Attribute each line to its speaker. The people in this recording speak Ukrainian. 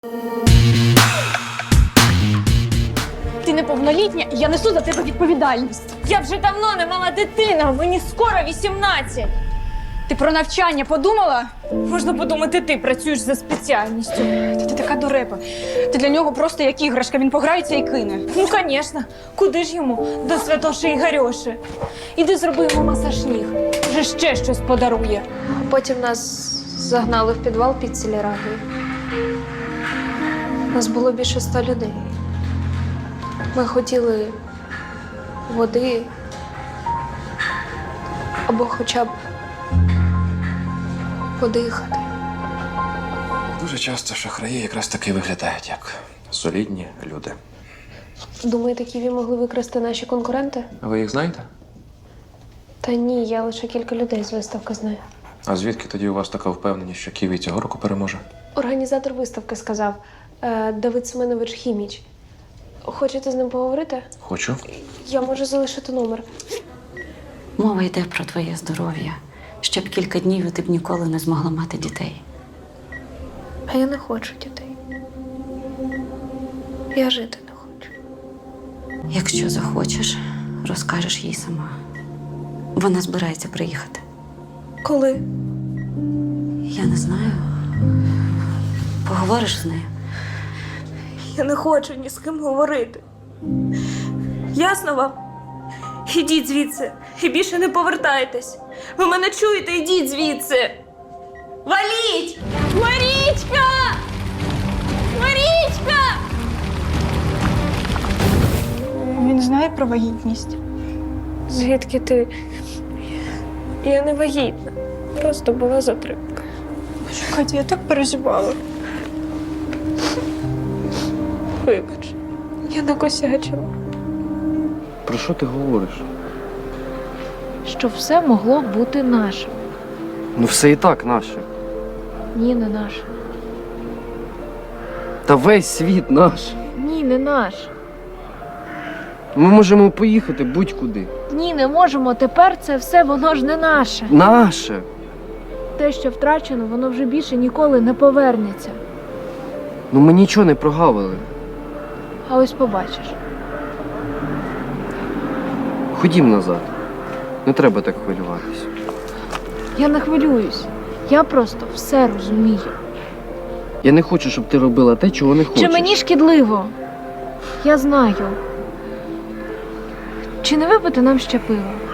Speaker 1: Ти неповнолітня, і я несу за тебе відповідальність.
Speaker 2: Я вже давно не мала дитина, мені скоро 18.
Speaker 1: Ти про навчання подумала?
Speaker 2: Можна подумати, ти працюєш за спеціальністю.
Speaker 1: Ти така дурепа. Ти для нього просто як іграшка, він пограється і кине.
Speaker 2: Ну, звісно. Куди ж йому? До Святоші і Гарьоші. Іди зроби йому масаж ніг. Вже ще щось подарує.
Speaker 3: Потім нас загнали в підвал під сільрагою. Нас було більше 100 людей. Ми хотіли води або хоча б подихати.
Speaker 4: Дуже часто шахраї якраз таки виглядають як солідні люди.
Speaker 3: Думаєте, Ківі могли викрасти наші конкуренти?
Speaker 4: А ви їх знаєте?
Speaker 3: Та ні, я лише кілька людей з виставки знаю.
Speaker 4: А звідки тоді у вас така впевненість, що Ківі цього року переможе?
Speaker 3: Організатор виставки сказав Давид Семенович Хіміч. Хочете з ним поговорити?
Speaker 4: Хочу.
Speaker 3: Я можу залишити номер.
Speaker 5: Мова йде про твоє здоров'я. Ще б кілька днів і ти б ніколи не змогла мати дітей.
Speaker 3: А я не хочу дітей. Я жити не хочу.
Speaker 5: Якщо захочеш, розкажеш їй сама. Вона збирається приїхати.
Speaker 3: Коли?
Speaker 5: Я не знаю. Поговориш з нею?
Speaker 2: Я не хочу ні з ким говорити. Ясно вам? Ідіть звідси і більше не повертайтесь. Ви мене чуєте? Ідіть звідси. Валіть! Марічка! Марічка!
Speaker 1: Він знає про вагітність.
Speaker 3: Звідки ти? Я не вагітна. Просто була затримка.
Speaker 1: Катя, я так переживала.
Speaker 3: Вибач, я накосячила.
Speaker 6: Про що ти говориш?
Speaker 7: Що все могло бути нашим.
Speaker 6: Ну все і так наше.
Speaker 7: Ні, не наше.
Speaker 6: Та весь світ наш.
Speaker 7: Ні, не наш.
Speaker 6: Ми можемо поїхати будь-куди.
Speaker 7: Ні, не можемо. Тепер це все, воно ж не наше.
Speaker 6: Наше.
Speaker 7: Те, що втрачено, воно вже більше ніколи не повернеться.
Speaker 6: Ну ми нічого не прогавили.
Speaker 7: А ось побачиш.
Speaker 6: Ходім назад. Не треба так хвилюватись.
Speaker 7: Я не хвилююсь. Я просто все розумію.
Speaker 6: Я не хочу, щоб ти робила те, чого не хочеш.
Speaker 7: Чи мені шкідливо? Я знаю. Чи не випити нам ще пиво?